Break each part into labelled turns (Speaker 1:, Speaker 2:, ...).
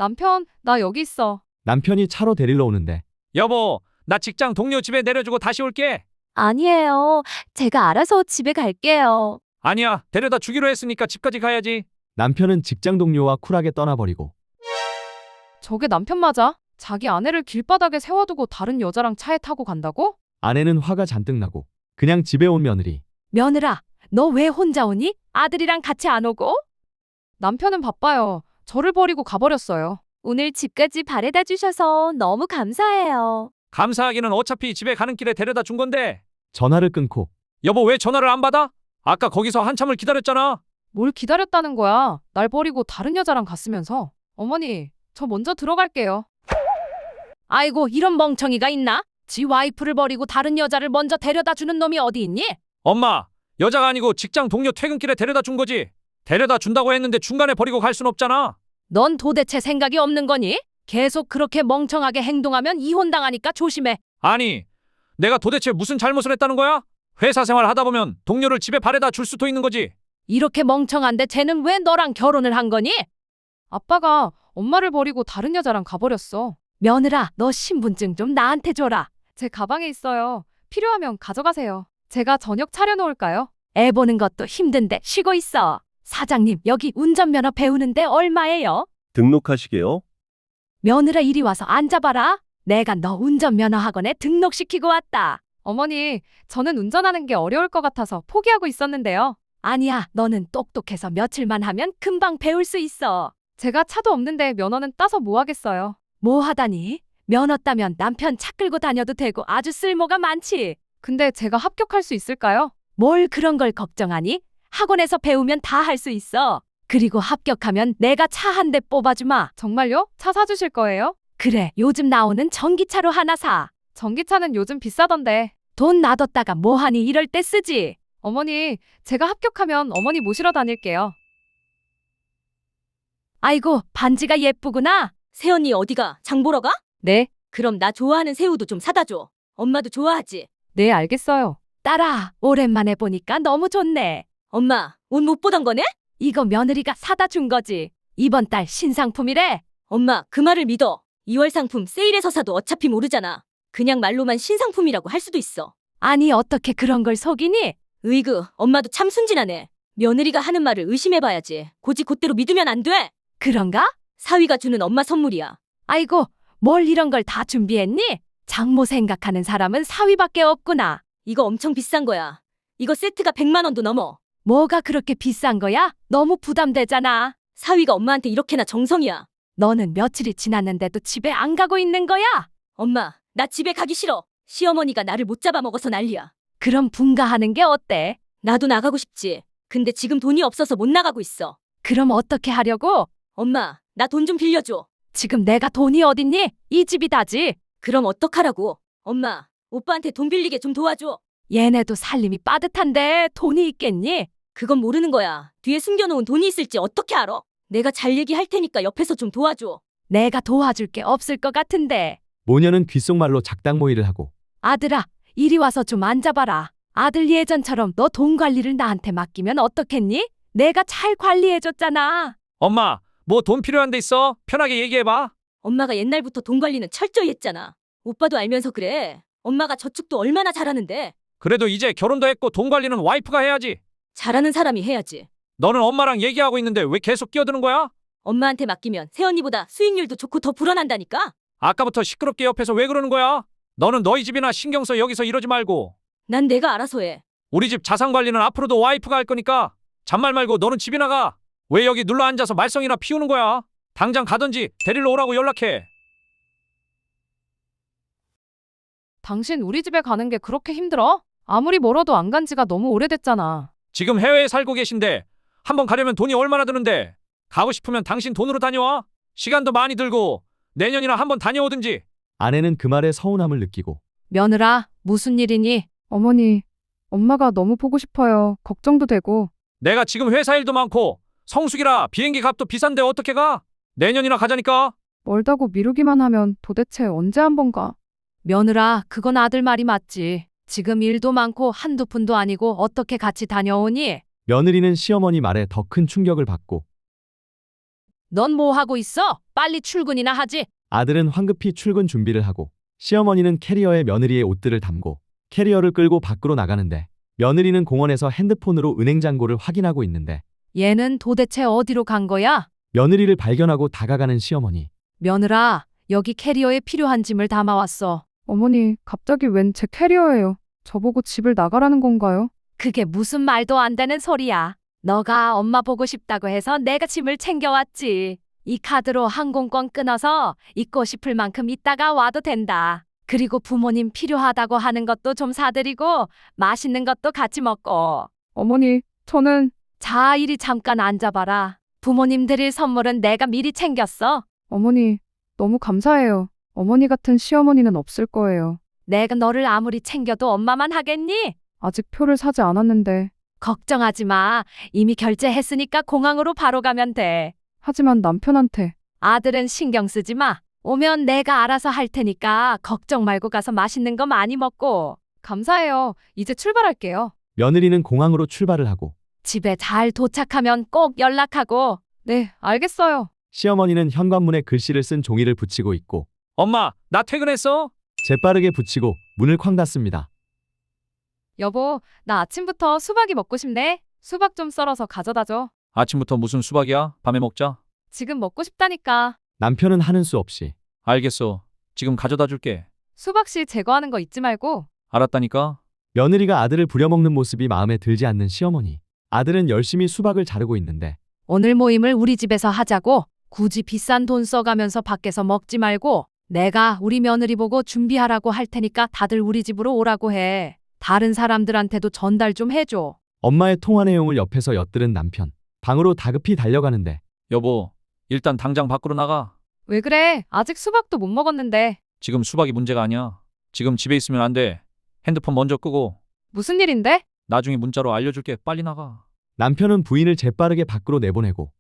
Speaker 1: 남편, 나 여기 있어.
Speaker 2: 남편이 차로 데리러 오는데
Speaker 3: 여보, 나 직장 동료 집에 내려주고 다시 올게.
Speaker 4: 아니에요. 제가 알아서 집에 갈게요.
Speaker 3: 아니야, 데려다 주기로 했으니까 집까지 가야지.
Speaker 2: 남편은 직장 동료와 쿨하게 떠나버리고
Speaker 1: 저게 남편 맞아? 자기 아내를 길바닥에 세워두고 다른 여자랑 차에 타고 간다고?
Speaker 2: 아내는 화가 잔뜩 나고 그냥 집에 온 며느리.
Speaker 4: 며느라, 너 왜 혼자 오니? 아들이랑 같이 안 오고?
Speaker 1: 남편은 바빠요. 저를 버리고 가버렸어요.
Speaker 4: 오늘 집까지 바래다 주셔서 너무 감사해요.
Speaker 3: 감사하기는 어차피 집에 가는 길에 데려다 준 건데.
Speaker 2: 전화를 끊고
Speaker 3: 여보, 왜 전화를 안 받아? 아까 거기서 한참을 기다렸잖아.
Speaker 1: 뭘 기다렸다는 거야? 날 버리고 다른 여자랑 갔으면서. 어머니, 저 먼저 들어갈게요.
Speaker 4: 아이고, 이런 멍청이가 있나? 지 와이프를 버리고 다른 여자를 먼저 데려다 주는 놈이 어디 있니?
Speaker 3: 엄마, 여자가 아니고 직장 동료 퇴근길에 데려다 준 거지. 데려다 준다고 했는데 중간에 버리고 갈 순 없잖아.
Speaker 4: 넌 도대체 생각이 없는 거니? 계속 그렇게 멍청하게 행동하면 이혼당하니까 조심해.
Speaker 3: 아니, 내가 도대체 무슨 잘못을 했다는 거야? 회사 생활 하다 보면 동료를 집에 바래다 줄 수도 있는 거지.
Speaker 4: 이렇게 멍청한데 쟤는 왜 너랑 결혼을 한 거니?
Speaker 1: 아빠가 엄마를 버리고 다른 여자랑 가버렸어.
Speaker 4: 며느라, 너 신분증 좀 나한테 줘라.
Speaker 1: 제 가방에 있어요. 필요하면 가져가세요. 제가 저녁 차려놓을까요?
Speaker 4: 애 보는 것도 힘든데 쉬고 있어. 사장님, 여기 운전면허 배우는데 얼마예요?
Speaker 5: 등록하시게요?
Speaker 4: 며느라, 이리 와서 앉아봐라. 내가 너 운전면허 학원에 등록시키고 왔다.
Speaker 1: 어머니, 저는 운전하는 게 어려울 것 같아서 포기하고 있었는데요.
Speaker 4: 아니야, 너는 똑똑해서 며칠만 하면 금방 배울 수 있어.
Speaker 1: 제가 차도 없는데 면허는 따서 뭐 하겠어요.
Speaker 4: 뭐 하다니? 면허 따면 남편 차 끌고 다녀도 되고 아주 쓸모가 많지.
Speaker 1: 근데 제가 합격할 수 있을까요?
Speaker 4: 뭘 그런 걸 걱정하니? 학원에서 배우면 다 할 수 있어. 그리고 합격하면 내가 차 한 대 뽑아주마.
Speaker 1: 정말요? 차 사주실 거예요?
Speaker 4: 그래, 요즘 나오는 전기차로 하나 사.
Speaker 1: 전기차는 요즘 비싸던데.
Speaker 4: 돈 놔뒀다가 뭐하니 이럴 때 쓰지.
Speaker 1: 어머니, 제가 합격하면 어머니 모시러 다닐게요.
Speaker 4: 아이고, 반지가 예쁘구나.
Speaker 6: 새언니 어디가? 장 보러 가?
Speaker 1: 네,
Speaker 6: 그럼 나 좋아하는 새우도 좀 사다 줘. 엄마도 좋아하지?
Speaker 1: 네, 알겠어요.
Speaker 4: 딸아, 오랜만에 보니까 너무 좋네.
Speaker 6: 엄마, 옷 못 보던 거네?
Speaker 4: 이거 며느리가 사다 준 거지. 이번 달 신상품이래.
Speaker 6: 엄마, 그 말을 믿어. 2월 상품 세일해서 사도 어차피 모르잖아. 그냥 말로만 신상품이라고 할 수도 있어.
Speaker 4: 아니, 어떻게 그런 걸 속이니?
Speaker 6: 으이그, 엄마도 참 순진하네. 며느리가 하는 말을 의심해봐야지. 고지 곧대로 믿으면 안 돼.
Speaker 4: 그런가?
Speaker 6: 사위가 주는 엄마 선물이야.
Speaker 4: 아이고, 뭘 이런 걸 다 준비했니? 장모 생각하는 사람은 사위밖에 없구나.
Speaker 6: 이거 엄청 비싼 거야. 이거 세트가 100만 원도 넘어.
Speaker 4: 뭐가 그렇게 비싼 거야? 너무 부담되잖아.
Speaker 6: 사위가 엄마한테 이렇게나 정성이야.
Speaker 4: 너는 며칠이 지났는데도 집에 안 가고 있는 거야?
Speaker 6: 엄마, 나 집에 가기 싫어. 시어머니가 나를 못 잡아먹어서 난리야.
Speaker 4: 그럼 분가하는 게 어때?
Speaker 6: 나도 나가고 싶지. 근데 지금 돈이 없어서 못 나가고 있어.
Speaker 4: 그럼 어떻게 하려고?
Speaker 6: 엄마, 나 돈 좀 빌려줘.
Speaker 4: 지금 내가 돈이 어딨니? 이 집이 다지.
Speaker 6: 그럼 어떡하라고? 엄마, 오빠한테 돈 빌리게 좀 도와줘.
Speaker 4: 얘네도 살림이 빠듯한데 돈이 있겠니?
Speaker 6: 그건 모르는 거야. 뒤에 숨겨놓은 돈이 있을지 어떻게 알아? 내가 잘 얘기할 테니까 옆에서 좀 도와줘.
Speaker 4: 내가 도와줄 게 없을 것 같은데.
Speaker 2: 모녀는 귓속말로 작당모의를 하고
Speaker 4: 아들아, 이리 와서 좀 앉아봐라. 아들 예전처럼 너 돈 관리를 나한테 맡기면 어떻겠니? 내가 잘 관리해줬잖아.
Speaker 3: 엄마, 뭐 돈 필요한 데 있어? 편하게 얘기해봐.
Speaker 6: 엄마가 옛날부터 돈 관리는 철저히 했잖아. 오빠도 알면서 그래. 엄마가 저축도 얼마나 잘하는데.
Speaker 3: 그래도 이제 결혼도 했고 돈 관리는 와이프가 해야지.
Speaker 6: 잘하는 사람이 해야지.
Speaker 3: 너는 엄마랑 얘기하고 있는데 왜 계속 끼어드는 거야?
Speaker 6: 엄마한테 맡기면 새언니보다 수익률도 좋고 더 불어난다니까?
Speaker 3: 아까부터 시끄럽게 옆에서 왜 그러는 거야? 너는 너희 집이나 신경 써 여기서 이러지 말고.
Speaker 6: 난 내가 알아서 해.
Speaker 3: 우리 집 자산 관리는 앞으로도 와이프가 할 거니까 잔말 말고 너는 집이나 가. 왜 여기 눌러 앉아서 말썽이나 피우는 거야? 당장 가든지 데리러 오라고 연락해.
Speaker 1: 당신 우리 집에 가는 게 그렇게 힘들어? 아무리 멀어도 안 간 지가 너무 오래됐잖아.
Speaker 3: 지금 해외에 살고 계신데 한번 가려면 돈이 얼마나 드는데. 가고 싶으면 당신 돈으로 다녀와. 시간도 많이 들고 내년이나 한번 다녀오든지.
Speaker 2: 아내는 그 말에 서운함을 느끼고
Speaker 4: 며느라, 무슨 일이니?
Speaker 1: 어머니, 엄마가 너무 보고 싶어요. 걱정도 되고.
Speaker 3: 내가 지금 회사 일도 많고 성수기라 비행기 값도 비싼데 어떻게 가? 내년이나 가자니까.
Speaker 1: 멀다고 미루기만 하면 도대체 언제 한 번 가?
Speaker 4: 며느라, 그건 아들 말이 맞지. 지금 일도 많고 한두 푼도 아니고 어떻게 같이 다녀오니?
Speaker 2: 며느리는 시어머니 말에 더 큰 충격을 받고
Speaker 4: 넌 뭐 하고 있어? 빨리 출근이나 하지.
Speaker 2: 아들은 황급히 출근 준비를 하고 시어머니는 캐리어에 며느리의 옷들을 담고 캐리어를 끌고 밖으로 나가는데 며느리는 공원에서 핸드폰으로 은행 잔고를 확인하고 있는데
Speaker 4: 얘는 도대체 어디로 간 거야?
Speaker 2: 며느리를 발견하고 다가가는 시어머니.
Speaker 4: 며느라, 여기 캐리어에 필요한 짐을 담아왔어.
Speaker 1: 어머니, 갑자기 웬 제 캐리어예요? 저보고 집을 나가라는 건가요?
Speaker 4: 그게 무슨 말도 안 되는 소리야. 너가 엄마 보고 싶다고 해서 내가 짐을 챙겨왔지. 이 카드로 항공권 끊어서 있고 싶을 만큼 있다가 와도 된다. 그리고 부모님 필요하다고 하는 것도 좀 사드리고 맛있는 것도 같이 먹고.
Speaker 1: 어머니, 저는
Speaker 4: 자, 이리 잠깐 앉아봐라. 부모님 드릴 선물은 내가 미리 챙겼어.
Speaker 1: 어머니, 너무 감사해요. 어머니 같은 시어머니는 없을 거예요.
Speaker 4: 내가 너를 아무리 챙겨도 엄마만 하겠니?
Speaker 1: 아직 표를 사지 않았는데.
Speaker 4: 걱정하지 마. 이미 결제했으니까 공항으로 바로 가면 돼.
Speaker 1: 하지만 남편한테
Speaker 4: 아들은 신경 쓰지 마. 오면 내가 알아서 할 테니까 걱정 말고 가서 맛있는 거 많이 먹고.
Speaker 1: 감사해요. 이제 출발할게요.
Speaker 2: 며느리는 공항으로 출발을 하고
Speaker 4: 집에 잘 도착하면 꼭 연락하고.
Speaker 1: 네, 알겠어요.
Speaker 2: 시어머니는 현관문에 글씨를 쓴 종이를 붙이고 있고
Speaker 3: 엄마, 나 퇴근했어?
Speaker 2: 재빠르게 붙이고 문을 쾅 닫습니다.
Speaker 1: 여보, 나 아침부터 수박이 먹고 싶네. 수박 좀 썰어서 가져다 줘.
Speaker 3: 아침부터 무슨 수박이야? 밤에 먹자.
Speaker 1: 지금 먹고 싶다니까.
Speaker 2: 남편은 하는 수 없이
Speaker 3: 알겠어. 지금 가져다 줄게.
Speaker 1: 수박씨 제거하는 거 잊지 말고.
Speaker 3: 알았다니까.
Speaker 2: 며느리가 아들을 부려먹는 모습이 마음에 들지 않는 시어머니. 아들은 열심히 수박을 자르고 있는데
Speaker 4: 오늘 모임을 우리 집에서 하자고. 굳이 비싼 돈 써가면서 밖에서 먹지 말고 내가 우리 며느리 보고 준비하라고 할 테니까 다들 우리 집으로 오라고 해. 다른 사람들한테도 전달 좀 해줘.
Speaker 2: 엄마의 통화 내용을 옆에서 엿들은 남편. 방으로 다급히 달려가는데
Speaker 3: 여보, 일단 당장 밖으로 나가.
Speaker 1: 왜 그래? 아직 수박도 못 먹었는데.
Speaker 3: 지금 수박이 문제가 아니야. 지금 집에 있으면 안 돼. 핸드폰 먼저 끄고
Speaker 1: 무슨 일인데?
Speaker 3: 나중에 문자로 알려줄게. 빨리 나가.
Speaker 2: 남편은 부인을 재빠르게 밖으로 내보내고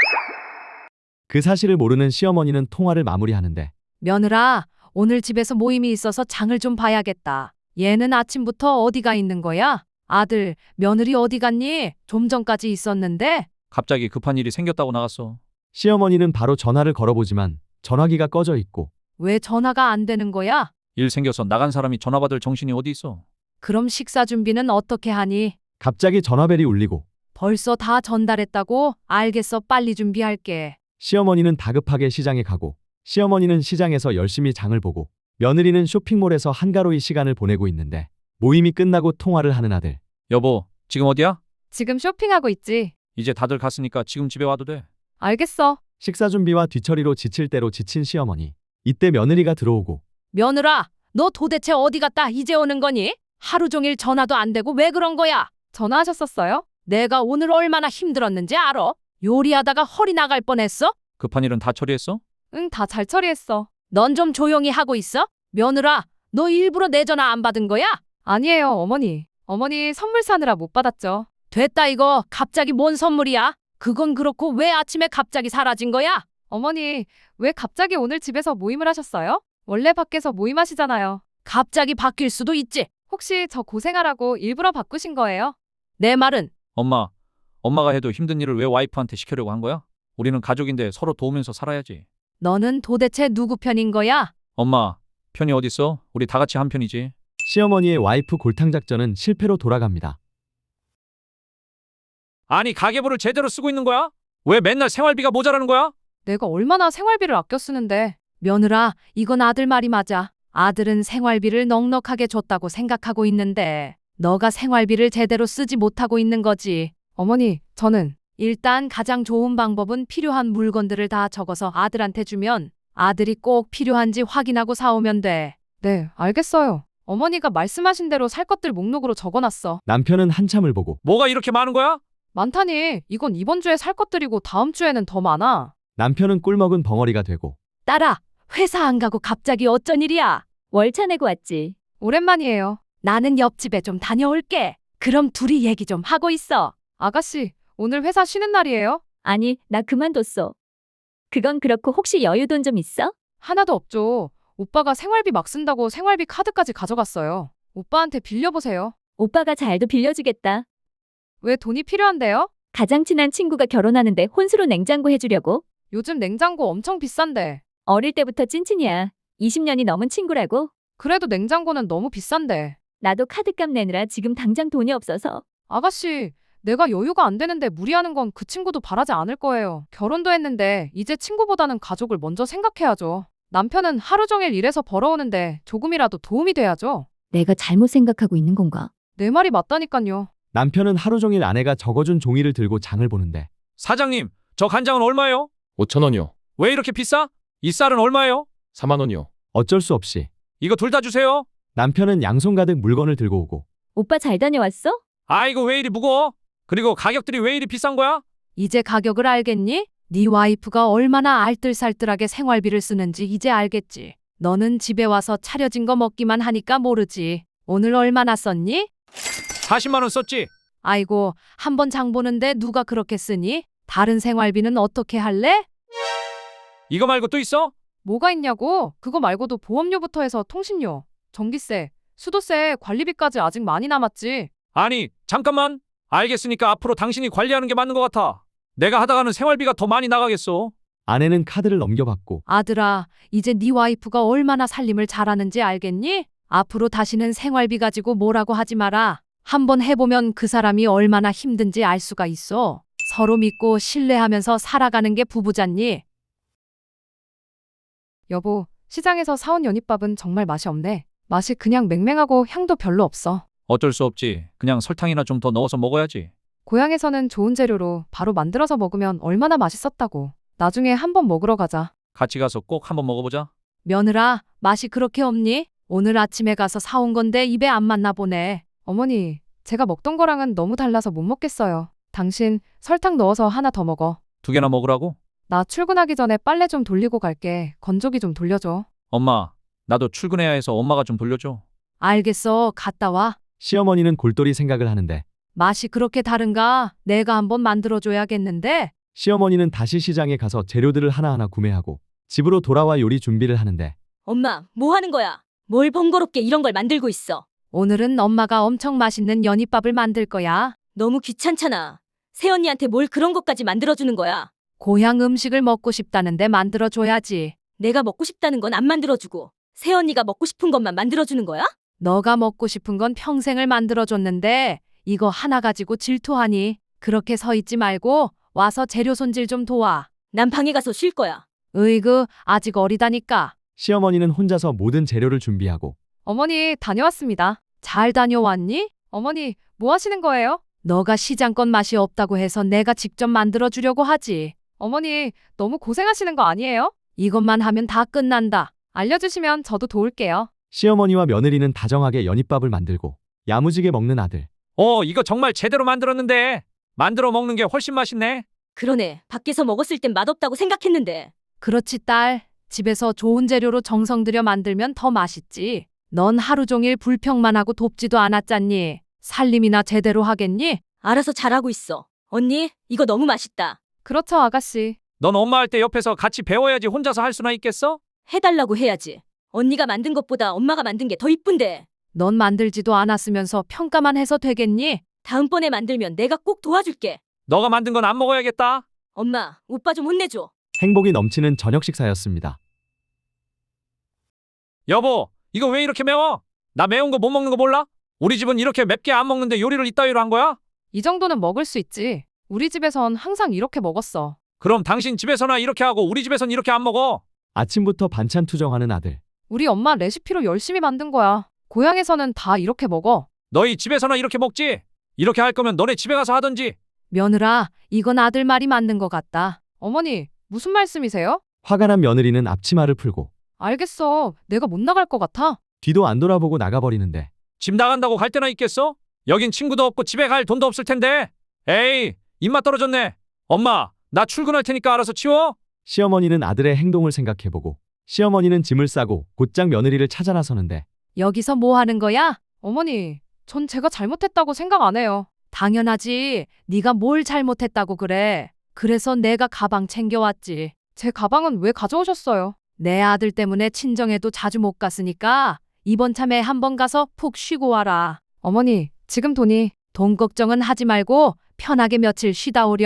Speaker 2: 그 사실을 모르는 시어머니는 통화를 마무리하는데
Speaker 4: 며느라, 오늘 집에서 모임이 있어서 장을 좀 봐야겠다. 얘는 아침부터 어디가 있는 거야? 아들, 며느리 어디 갔니? 좀 전까지 있었는데.
Speaker 3: 갑자기 급한 일이 생겼다고 나갔어.
Speaker 2: 시어머니는 바로 전화를 걸어보지만 전화기가 꺼져 있고
Speaker 4: 왜 전화가 안 되는 거야?
Speaker 3: 일 생겨서 나간 사람이 전화 받을 정신이 어디 있어.
Speaker 4: 그럼 식사 준비는 어떻게 하니?
Speaker 2: 갑자기 전화벨이 울리고
Speaker 4: 벌써 다 전달했다고? 알겠어, 빨리 준비할게.
Speaker 2: 시어머니는 다급하게 시장에 가고 시어머니는 시장에서 열심히 장을 보고 며느리는 쇼핑몰에서 한가로이 시간을 보내고 있는데 모임이 끝나고 통화를 하는 아들.
Speaker 3: 여보, 지금 어디야?
Speaker 1: 지금 쇼핑하고 있지.
Speaker 3: 이제 다들 갔으니까 지금 집에 와도 돼.
Speaker 1: 알겠어.
Speaker 2: 식사 준비와 뒤처리로 지칠 대로 지친 시어머니. 이때 며느리가 들어오고
Speaker 4: 며느라, 너 도대체 어디 갔다 이제 오는 거니? 하루 종일 전화도 안 되고 왜 그런 거야?
Speaker 1: 전화하셨었어요?
Speaker 4: 내가 오늘 얼마나 힘들었는지 알아? 요리하다가 허리 나갈 뻔했어?
Speaker 3: 급한 일은 다 처리했어?
Speaker 1: 응, 다 잘 처리했어.
Speaker 4: 넌 좀 조용히 하고 있어? 며느라, 너 일부러 내 전화 안 받은 거야?
Speaker 1: 아니에요, 어머니. 어머니 선물 사느라 못 받았죠.
Speaker 4: 됐다 이거. 갑자기 뭔 선물이야? 그건 그렇고 왜 아침에 갑자기 사라진 거야?
Speaker 1: 어머니, 왜 갑자기 오늘 집에서 모임을 하셨어요? 원래 밖에서 모임하시잖아요.
Speaker 4: 갑자기 바뀔 수도 있지.
Speaker 1: 혹시 저 고생하라고 일부러 바꾸신 거예요?
Speaker 4: 내 말은
Speaker 3: 엄마가 해도 힘든 일을 왜 와이프한테 시키려고 한 거야? 우리는 가족인데 서로 도우면서 살아야지.
Speaker 4: 너는 도대체 누구 편인 거야?
Speaker 3: 엄마, 편이 어딨어? 우리 다 같이 한 편이지.
Speaker 2: 시어머니의 와이프 골탕 작전은 실패로 돌아갑니다.
Speaker 3: 아니, 가계부를 제대로 쓰고 있는 거야? 왜 맨날 생활비가 모자라는 거야?
Speaker 1: 내가 얼마나 생활비를 아껴 쓰는데.
Speaker 4: 며느라, 이건 아들 말이 맞아. 아들은 생활비를 넉넉하게 줬다고 생각하고 있는데 너가 생활비를 제대로 쓰지 못하고 있는 거지.
Speaker 1: 어머니, 저는
Speaker 4: 일단 가장 좋은 방법은 필요한 물건들을 다 적어서 아들한테 주면 아들이 꼭 필요한지 확인하고 사오면 돼.
Speaker 1: 네, 알겠어요. 어머니가 말씀하신 대로 살 것들 목록으로 적어놨어.
Speaker 2: 남편은 한참을 보고
Speaker 3: 뭐가 이렇게 많은 거야?
Speaker 1: 많다니, 이건 이번 주에 살 것들이고 다음 주에는 더 많아.
Speaker 2: 남편은 꿀먹은 벙어리가 되고
Speaker 4: 딸아, 회사 안 가고 갑자기 어쩐 일이야?
Speaker 6: 월차 내고 왔지.
Speaker 1: 오랜만이에요.
Speaker 4: 나는 옆집에 좀 다녀올게. 그럼 둘이 얘기 좀 하고 있어.
Speaker 1: 아가씨, 오늘 회사 쉬는 날이에요?
Speaker 6: 아니, 나 그만뒀어. 그건 그렇고 혹시 여유돈 좀 있어?
Speaker 1: 하나도 없죠. 오빠가 생활비 막 쓴다고 생활비 카드까지 가져갔어요. 오빠한테 빌려보세요.
Speaker 6: 오빠가 잘도 빌려주겠다.
Speaker 1: 왜 돈이 필요한데요?
Speaker 6: 가장 친한 친구가 결혼하는데 혼수로 냉장고 해주려고.
Speaker 1: 요즘 냉장고 엄청 비싼데.
Speaker 5: 어릴 때부터 찐친이야. 20년이 넘은 친구라고.
Speaker 1: 그래도 냉장고는 너무 비싼데.
Speaker 5: 나도 카드값 내느라 지금 당장 돈이 없어서.
Speaker 1: 아가씨, 내가 여유가 안 되는데 무리하는 건 그 친구도 바라지 않을 거예요. 결혼도 했는데 이제 친구보다는 가족을 먼저 생각해야죠. 남편은 하루 종일 일해서 벌어오는데 조금이라도 도움이 돼야죠.
Speaker 5: 내가 잘못 생각하고 있는 건가?
Speaker 1: 내 말이 맞다니까요.
Speaker 2: 남편은 하루 종일 아내가 적어준 종이를 들고 장을 보는데
Speaker 3: 사장님, 저 간장은 얼마예요?
Speaker 7: 5,000원이요.
Speaker 3: 왜 이렇게 비싸? 이 쌀은 얼마예요?
Speaker 7: 4만 원이요.
Speaker 2: 어쩔 수 없이
Speaker 3: 이거 둘 다 주세요.
Speaker 2: 남편은 양손 가득 물건을 들고 오고
Speaker 5: 오빠 잘 다녀왔어?
Speaker 3: 아이고 왜 이리 무거워? 그리고 가격들이 왜 이리 비싼 거야?
Speaker 4: 이제 가격을 알겠니? 네 와이프가 얼마나 알뜰살뜰하게 생활비를 쓰는지 이제 알겠지. 너는 집에 와서 차려진 거 먹기만 하니까 모르지. 오늘 얼마나 썼니?
Speaker 3: 40만 원 썼지?
Speaker 4: 아이고, 한 번 장 보는데 누가 그렇게 쓰니? 다른 생활비는 어떻게 할래?
Speaker 3: 이거 말고 또 있어?
Speaker 1: 뭐가 있냐고? 그거 말고도 보험료부터 해서 통신료, 전기세, 수도세, 관리비까지 아직 많이 남았지.
Speaker 3: 아니, 잠깐만. 알겠으니까 앞으로 당신이 관리하는 게 맞는 것 같아. 내가 하다가는 생활비가 더 많이 나가겠어.
Speaker 2: 아내는 카드를 넘겨받고
Speaker 4: 아들아, 이제 네 와이프가 얼마나 살림을 잘하는지 알겠니? 앞으로 다시는 생활비 가지고 뭐라고 하지 마라. 한번 해보면 그 사람이 얼마나 힘든지 알 수가 있어. 서로 믿고 신뢰하면서 살아가는 게 부부잖니.
Speaker 1: 여보, 시장에서 사온 연잎밥은 정말 맛이 없네. 맛이 그냥 맹맹하고 향도 별로 없어.
Speaker 3: 어쩔 수 없지. 그냥 설탕이나 좀 더 넣어서 먹어야지.
Speaker 1: 고향에서는 좋은 재료로 바로 만들어서 먹으면 얼마나 맛있었다고. 나중에 한번 먹으러 가자.
Speaker 3: 같이 가서 꼭 한번 먹어보자.
Speaker 4: 며느라, 맛이 그렇게 없니? 오늘 아침에 가서 사온 건데 입에 안 맞나 보네.
Speaker 1: 어머니, 제가 먹던 거랑은 너무 달라서 못 먹겠어요. 당신 설탕 넣어서 하나 더 먹어.
Speaker 3: 2개나 먹으라고?
Speaker 1: 나 출근하기 전에 빨래 좀 돌리고 갈게. 건조기 좀 돌려줘.
Speaker 3: 엄마, 나도 출근해야 해서 엄마가 좀 돌려줘.
Speaker 4: 알겠어, 갔다 와.
Speaker 2: 시어머니는 골똘히 생각을 하는데
Speaker 4: 맛이 그렇게 다른가? 내가 한번 만들어줘야겠는데?
Speaker 2: 시어머니는 다시 시장에 가서 재료들을 하나하나 구매하고 집으로 돌아와 요리 준비를 하는데
Speaker 6: 엄마, 뭐 하는 거야? 뭘 번거롭게 이런 걸 만들고 있어?
Speaker 4: 오늘은 엄마가 엄청 맛있는 연잎밥을 만들 거야.
Speaker 6: 너무 귀찮잖아. 새언니한테 뭘 그런 것까지 만들어주는 거야?
Speaker 4: 고향 음식을 먹고 싶다는데 만들어줘야지.
Speaker 6: 내가 먹고 싶다는 건 안 만들어주고 새언니가 먹고 싶은 것만 만들어주는 거야?
Speaker 4: 너가 먹고 싶은 건 평생을 만들어줬는데 이거 하나 가지고 질투하니? 그렇게 서 있지 말고 와서 재료 손질 좀 도와.
Speaker 6: 난 방에 가서 쉴 거야.
Speaker 4: 으이그, 아직 어리다니까.
Speaker 2: 시어머니는 혼자서 모든 재료를 준비하고
Speaker 1: 어머니, 다녀왔습니다.
Speaker 4: 잘 다녀왔니?
Speaker 1: 어머니, 뭐 하시는 거예요?
Speaker 4: 너가 시장껏 맛이 없다고 해서 내가 직접 만들어주려고 하지.
Speaker 1: 어머니, 너무 고생하시는 거 아니에요?
Speaker 4: 이것만 하면 다 끝난다.
Speaker 1: 알려주시면 저도 도울게요.
Speaker 2: 시어머니와 며느리는 다정하게 연잎밥을 만들고 야무지게 먹는 아들.
Speaker 3: 이거 정말 제대로 만들었는데. 만들어 먹는 게 훨씬 맛있네.
Speaker 6: 그러네. 밖에서 먹었을 땐 맛없다고 생각했는데.
Speaker 4: 그렇지, 딸. 집에서 좋은 재료로 정성 들여 만들면 더 맛있지. 넌 하루 종일 불평만 하고 돕지도 않았잖니. 살림이나 제대로 하겠니?
Speaker 6: 알아서 잘하고 있어. 언니, 이거 너무 맛있다.
Speaker 1: 그렇죠, 아가씨.
Speaker 3: 넌 엄마 할 때 옆에서 같이 배워야지 혼자서 할 수나 있겠어?
Speaker 6: 해달라고 해야지. 언니가 만든 것보다 엄마가 만든 게 더 이쁜데.
Speaker 4: 넌 만들지도 않았으면서 평가만 해서 되겠니?
Speaker 6: 다음번에 만들면 내가 꼭 도와줄게.
Speaker 3: 너가 만든 건 안 먹어야겠다.
Speaker 6: 엄마, 오빠 좀 혼내줘.
Speaker 2: 행복이 넘치는 저녁 식사였습니다.
Speaker 3: 여보, 이거 왜 이렇게 매워? 나 매운 거 못 먹는 거 몰라? 우리 집은 이렇게 맵게 안 먹는데 요리를 이따위로 한 거야?
Speaker 1: 이 정도는 먹을 수 있지. 우리 집에선 항상 이렇게 먹었어.
Speaker 3: 그럼 당신 집에서나 이렇게 하고 우리 집에선 이렇게 안 먹어.
Speaker 2: 아침부터 반찬 투정하는 아들.
Speaker 1: 우리 엄마 레시피로 열심히 만든 거야. 고향에서는 다 이렇게 먹어.
Speaker 3: 너희 집에서나 이렇게 먹지? 이렇게 할 거면 너네 집에 가서 하던지.
Speaker 4: 며느라, 이건 아들 말이 맞는 것 같다.
Speaker 1: 어머니, 무슨 말씀이세요?
Speaker 2: 화가 난 며느리는 앞치마를 풀고
Speaker 1: 알겠어. 내가 못 나갈 것 같아.
Speaker 2: 뒤도 안 돌아보고 나가버리는데
Speaker 3: 집 나간다고 갈 데나 있겠어? 여긴 친구도 없고 집에 갈 돈도 없을 텐데. 에이, 입맛 떨어졌네. 엄마, 나 출근할 테니까 알아서 치워.
Speaker 2: 시어머니는 아들의 행동을 생각해보고 시어머니는 짐을 싸고 곧장 며느리를 찾아 나서는데
Speaker 4: 여기서 뭐 하는 거야?
Speaker 1: 어머니, 전 제가 잘못했다고 생각 안 해요.
Speaker 4: 당연하지. 네가 뭘 잘못했다고 그래. 그래서 내가 가방 챙겨왔지.
Speaker 1: 제 가방은 왜 가져오셨어요?
Speaker 4: 내 아들 때문에 친정에도 자주 못 갔으니까 이번 참에 한번 가서 푹 쉬고 와라.
Speaker 1: 어머니, 지금 돈이
Speaker 4: 돈 걱정은 하지 말고 편하게 며칠 쉬다 오렴.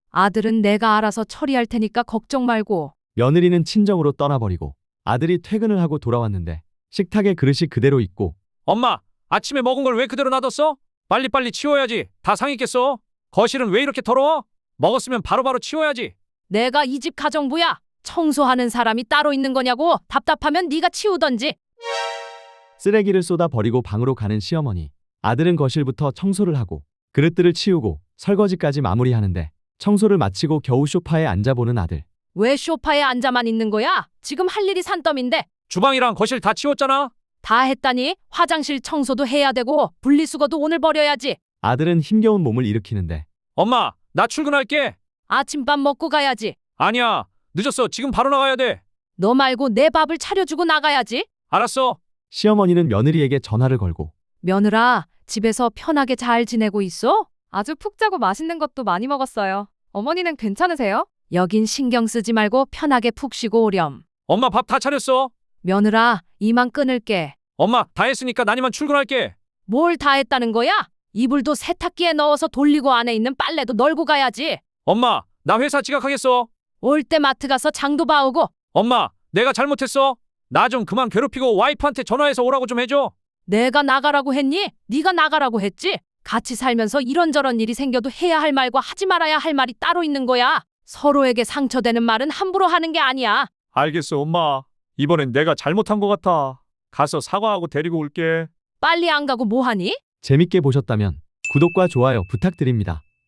Speaker 1: 아들은 내가 알아서 처리할 테니까 걱정 말고.
Speaker 2: 며느리는 친정으로 떠나버리고 아들이 퇴근을 하고 돌아왔는데 식탁에 그릇이 그대로 있고
Speaker 3: 엄마, 아침에 먹은 걸 왜 그대로 놔뒀어? 빨리빨리 치워야지. 다 상했겠어. 거실은 왜 이렇게 더러워? 먹었으면 바로바로 치워야지.
Speaker 1: 내가 이 집 가정부야. 청소하는 사람이 따로 있는 거냐고. 답답하면 네가 치우던지.
Speaker 2: 쓰레기를 쏟아 버리고 방으로 가는 시어머니. 아들은 거실부터 청소를 하고 그릇들을 치우고 설거지까지 마무리하는데 청소를 마치고 겨우 소파에 앉아보는 아들.
Speaker 1: 왜 소파에 앉아만 있는 거야? 지금 할 일이 산더미인데.
Speaker 3: 주방이랑 거실 다 치웠잖아.
Speaker 1: 다 했다니 화장실 청소도 해야 되고 분리수거도 오늘 버려야지.
Speaker 2: 아들은 힘겨운 몸을 일으키는데
Speaker 3: 엄마, 나 출근할게.
Speaker 1: 아침밥 먹고 가야지.
Speaker 3: 아니야, 늦었어. 지금 바로 나가야 돼.
Speaker 1: 너 말고 내 밥을 차려주고 나가야지.
Speaker 3: 알았어.
Speaker 2: 시어머니는 며느리에게 전화를 걸고
Speaker 1: 며느라, 집에서 편하게 잘 지내고 있어? 아주 푹 자고 맛있는 것도 많이 먹었어요. 어머니는 괜찮으세요? 여긴 신경 쓰지 말고 편하게 푹 쉬고 오렴.
Speaker 3: 엄마 밥 다 차렸어.
Speaker 1: 며느라, 이만 끊을게.
Speaker 3: 엄마, 다 했으니까 난 이만 출근할게.
Speaker 1: 뭘 다 했다는 거야? 이불도 세탁기에 넣어서 돌리고 안에 있는 빨래도 널고 가야지.
Speaker 3: 엄마, 나 회사 지각하겠어.
Speaker 1: 올 때 마트 가서 장도 봐오고.
Speaker 3: 엄마, 내가 잘못했어. 나 좀 그만 괴롭히고 와이프한테 전화해서 오라고 좀 해줘.
Speaker 1: 내가 나가라고 했니? 네가 나가라고 했지? 같이 살면서 이런저런 일이 생겨도 해야 할 말과 하지 말아야 할 말이 따로 있는 거야. 서로에게 상처되는 말은 함부로 하는 게 아니야.
Speaker 3: 알겠어, 엄마. 이번엔 내가 잘못한 것 같아. 가서 사과하고 데리고 올게.
Speaker 1: 빨리 안 가고 뭐하니?
Speaker 2: 재밌게 보셨다면 구독과 좋아요 부탁드립니다.